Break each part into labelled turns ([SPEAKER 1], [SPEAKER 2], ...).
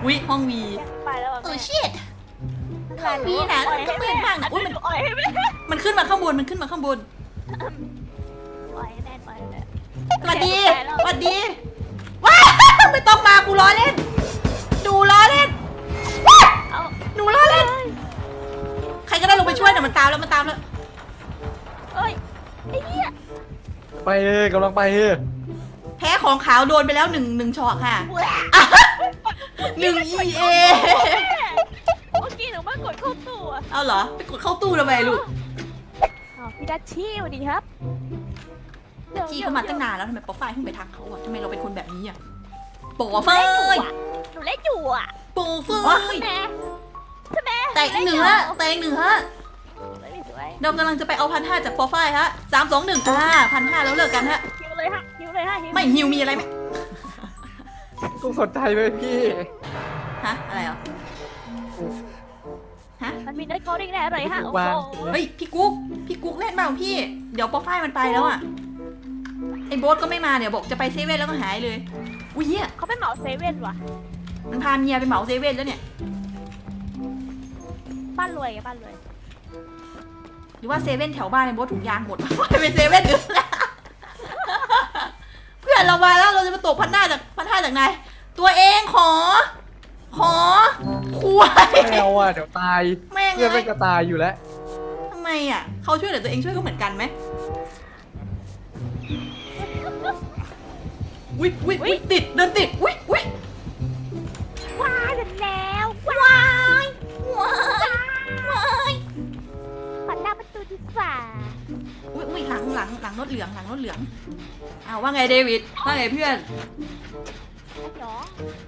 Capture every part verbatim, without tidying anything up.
[SPEAKER 1] วิห้องวี
[SPEAKER 2] ไปแล้ว
[SPEAKER 1] เออชิดห้องวีนะมันก็มืดมากนะอุ้ยมัน
[SPEAKER 2] อ่อยให้แม่
[SPEAKER 1] มันขึ้นมาข้างบนมันขึ้นมาข้างบน
[SPEAKER 2] อ่อยให้แม่อ่อยให้แม่
[SPEAKER 1] สวัสดีสวัสดีว้าไม่ต้องมากูล้อเล่นดูล้อเล่นว้า
[SPEAKER 2] เอา
[SPEAKER 1] หนูล้อเล่นใครก็ได้ลงไปช่วยหน่อยมันตามแล้วมันตามแล้ว
[SPEAKER 2] เอ้ยไอ้เหี้ย
[SPEAKER 3] ไปเออกำลังไปเออ
[SPEAKER 1] แพ้ของขาวโดนไปแล้วหนึ่งหนึ่งช็อตค่ะหนึ่ง อี เอ
[SPEAKER 2] เมื่อกี้หนูมากดเข้าตู้อะ
[SPEAKER 1] เอาเหรอไปกดเข้าตู้ทำไมลูก
[SPEAKER 2] อ้าวพี่ดัชชี่สวัสดีครับ
[SPEAKER 1] จี้เขามาตั้งนานแล้วทำไมป๊อปไฟเพิ่งไปทักเขาอ่ะทำไมเราเป็นคนแบบนี้อ่ะโปอเฟ
[SPEAKER 2] เล่นอยู่
[SPEAKER 1] ย
[SPEAKER 2] อะหนูเล่นอยู่อะ
[SPEAKER 1] โปเฟย
[SPEAKER 2] แม่ใช่ไหม
[SPEAKER 1] แต่อีกหนึ่งฮะแต่อีกหนึ่งฮะ
[SPEAKER 2] สวย
[SPEAKER 1] เรากำลังจะไปเอาพันห้าจากป๊อปไฟฮะสามสองหนึ่งอ่าพันห้าแล้วเลิกกันฮะ
[SPEAKER 2] ฮิวเลยฮะฮิวเลยฮะฮิว
[SPEAKER 1] ไม่ฮิวมีอะไรไหม
[SPEAKER 3] กูสนใจไหมพี่
[SPEAKER 1] ฮะอะไรเหรอฮะ
[SPEAKER 2] มันมีเนื้อโคดิ้งแน่เลยฮะโอ้โห
[SPEAKER 1] เฮ้ยพี่กุ๊กพี่กุ๊กเล่นเปล่าพี่เดี๋ยวป๊อปไฟมันไปแล้วอ่ะไอ้โบ๊ทก็ไม่มาเดี๋ยวบอกจะไปเซเว่นแล้วก็หายเลยอุ้ยเหี้ย
[SPEAKER 2] เขาเป็นเหมาเซเว่นว่ะ
[SPEAKER 1] มันพาเมียไปเหมาเซเว่นแล้วเนี่ย
[SPEAKER 2] บ้านรวยไงบ้านรวย
[SPEAKER 1] หรือว่าเซเว่นแถวบ้านในโบ๊ทถุงยางหมด ไปเซเว่นอื่นเพื่อนเรามาแล้วเราจะมาตกพันห้าจากพันห้าจากไหนตัวเองขอ ขอควาย
[SPEAKER 3] แมวอ่ะเดี๋ยวตาย
[SPEAKER 1] แม่ง
[SPEAKER 3] เพื่อน
[SPEAKER 1] เล
[SPEAKER 3] ไม่
[SPEAKER 1] ย
[SPEAKER 3] กระตายอยู่แล้ว
[SPEAKER 1] ทำไมอ่ะเขาช่วยเหลือตัวเองช่วยเขาเหมือนกันไหมวิวิวิติดเดินติดวิวิ
[SPEAKER 2] ว้ายเสร็จแล้ว
[SPEAKER 1] วายวายวาย
[SPEAKER 2] ปัดหน้าประตูดีฝ่า
[SPEAKER 1] วิวิหลังหลังหลังรถเหลืองหลังรถเหลืองอ้าวว่าไงเดวิดว่าไงเพื่อน
[SPEAKER 2] ไอ้หยอง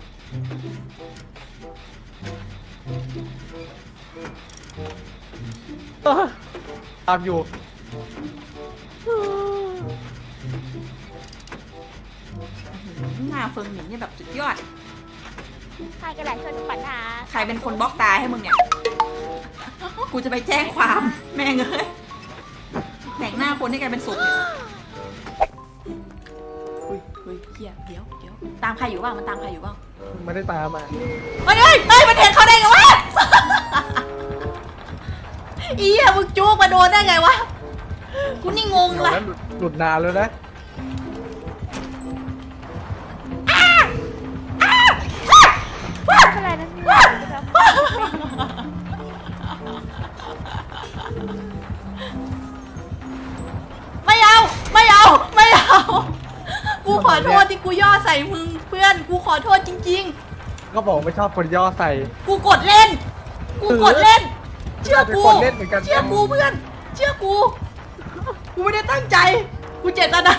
[SPEAKER 3] ตามอยู่
[SPEAKER 1] หน้าเฟิงหมิงเนี่ยแบบสุดยอด
[SPEAKER 2] ใครกันแหละช่วยหนูปัดหน้า
[SPEAKER 1] ใครเป็นคนบล็อกตาให้มึงเนี่ย กูจะไปแจ้งความแม่งเอ้ยแต่งหน้าคนให้กลายเป็นศพเนี่ยอุ้ยอุ้ยเฮียเดี๋ยวเดี๋ยวตามใครอยู่บ้างมันตามใครอยู่บ้าง
[SPEAKER 3] ไม่ได้ตามมา
[SPEAKER 1] เฮ้ยเฮ้ยเฮ้ยมันเห็นเขาได้ไงวะ อีอะมึงจู๊กมาโดนได้ไงวะ กูนี่งง
[SPEAKER 3] เดี๋ยว
[SPEAKER 1] ละ
[SPEAKER 3] นั้นหลุดหลุดนานแล้วนะ
[SPEAKER 2] ไม่เป็นไรนะเนี่ยนะครับ
[SPEAKER 1] ไม่เอาไม่เอาไม่เอา กูขอโทษที่กูย่อใส่มึงเพื่อน กูขอโทษจริง
[SPEAKER 3] ก็บอกไม่ชอบคนย่อใส่
[SPEAKER 1] ๆ กูกดเล่น กูกดเล่น เชื่อกู
[SPEAKER 3] เป็นคนเล่นเหมือนกัน
[SPEAKER 1] เชื่อกูเพื่อน เชื่อกู กูไม่ได้ตั้งใจ กูเจตนา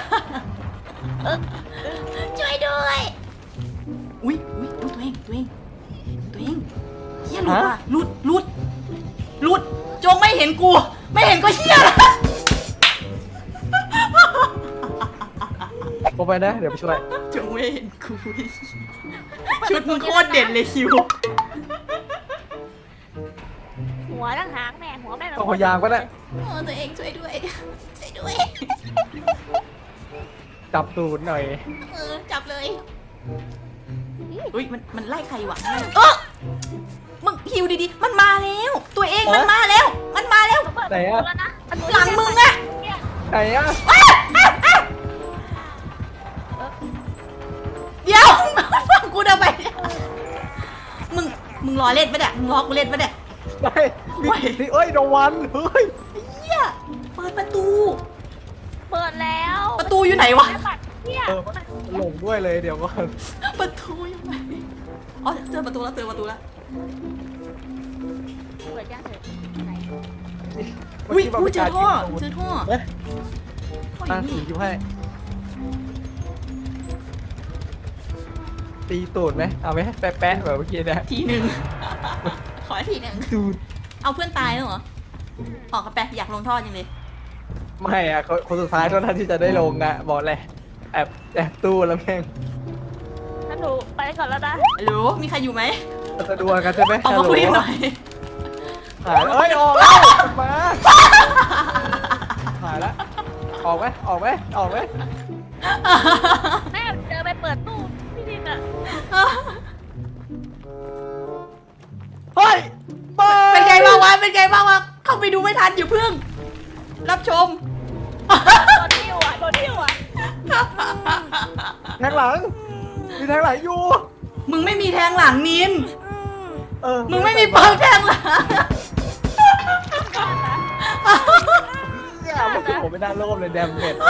[SPEAKER 1] ช่วยด้วย อุ้ยอุ้ยอุ๊ยตัวเองตัวเองตัวเองเฮียหลุดว่ะหลุดหลุดหลุด จงไม่เห็นกู ไม่เห็นก็เฮียละ
[SPEAKER 3] ลงไปนะเดี๋ยวไปช่วย
[SPEAKER 1] จงไม่เห็นกู ชุดมึงโคตรเด่นเลยคิว
[SPEAKER 2] หัวตั้งหางแม่หัวแม่
[SPEAKER 3] ต้องพยายามก็ได้
[SPEAKER 1] โอ้ตัวเองช่วยด้วย ช่วยด้วย
[SPEAKER 3] จับตูดหน่อย
[SPEAKER 1] เออจับเลยอุ้ยมันมันไล่ใครวะเออมึงฮิวดีๆ มันมาแล้ว ตัวเองมันมาแล้ว มันมาแล้ว
[SPEAKER 3] ไหนอะ
[SPEAKER 1] หลังมึงอะ
[SPEAKER 3] ไหนอะ
[SPEAKER 1] เดี๋ยวฟังกูทำไมเนี่ยมึงมึงรอเล่นปะเนี่ยมึงรอกูเล่นปะเนี่ย
[SPEAKER 3] ไปนี่นี่เอ้ยดวันเฮ้ย
[SPEAKER 1] เฮียเปิดประตู
[SPEAKER 2] เปิดแล้ว
[SPEAKER 1] ประตูอยู่ไหนวะ
[SPEAKER 2] เนี่ย
[SPEAKER 3] เออหลงด้วยเลยเดี๋ยวก่อน
[SPEAKER 1] ประตูอยู่ไหนอ๋อเจอประตูแล้วเจอประตูแล้ว
[SPEAKER 2] เปิดยังเถอะไหน
[SPEAKER 1] อุ้ยอุ้ยเจอท่อเจอท่อ
[SPEAKER 3] เอ๊ะ
[SPEAKER 1] ท่ออ
[SPEAKER 3] ตั้ง
[SPEAKER 1] ยู่
[SPEAKER 3] สี
[SPEAKER 1] นี่
[SPEAKER 3] อยู่ให้ตีตูดไหมเอาไหมแปะๆแบบเมื่อกี้นะ
[SPEAKER 1] ทีหนึ่งขอทีหนึ่ง
[SPEAKER 3] ตูด
[SPEAKER 1] เอาเพื่อนตายแล้วเหรอออกกันไปอยากลงท่อจริงเลย
[SPEAKER 3] ไม่อะคนคนสุดท้ายเท่านั้นที่จะได้ลงอะบอกเลยแอบแอบตู้แล้วแม่ง
[SPEAKER 2] งั้นหนูไปก่อนแล้วนะ
[SPEAKER 1] ฮัลโหลมีใครอยู่ไหม
[SPEAKER 3] จะดวลกันใช่ไหม
[SPEAKER 1] ออกมาคุยหน่อย
[SPEAKER 3] หายแล้วเอ้ยออกแล้วมาหายแล้วออกไหมออกไหมออกไหม
[SPEAKER 2] แม่เจอไปเปิดตู้พี่ดินอ่ะ
[SPEAKER 3] เฮ้ยไป
[SPEAKER 1] เป็นไงบ้างวะเป็นไงบ้างวะเข้าไปดูไม่ทันอย่าเพิ่ง รับชม
[SPEAKER 2] โดนทิ้วอ่ะโดนทิ้วอ่ะ
[SPEAKER 3] แทงหลัง มีแทงหลังอยู่
[SPEAKER 1] มึงไม่มีแทงหลังนิน
[SPEAKER 3] เออ
[SPEAKER 1] มึงไม่มีเปิร์กแทงหลัง
[SPEAKER 3] เนี่ยมันคือผมไม่น่าโลภเลยแดมเม็ด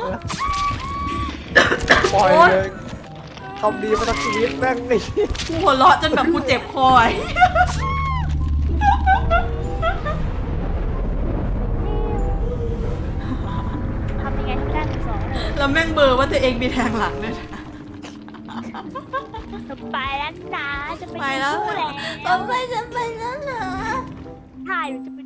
[SPEAKER 3] ปล่อยเลยทำดีมาทั้งชีวิตแม่งนี่
[SPEAKER 1] กูหัวเราะจนแบบกูเจ็บคอไอ้
[SPEAKER 2] ทำยังไงให้ไม่ได้ถึงสองเลย
[SPEAKER 1] แล้วแม่งเบอร์ว่าตัวเองมีแทงหลังด้วยนะ
[SPEAKER 2] จะไปแล้วนะจะไป
[SPEAKER 1] ไปแล้ว
[SPEAKER 2] ดู
[SPEAKER 1] เหร
[SPEAKER 2] แล้
[SPEAKER 1] อ
[SPEAKER 2] ว
[SPEAKER 1] ไปจะไปแล้วเหรอ
[SPEAKER 2] ถ่ายจะไป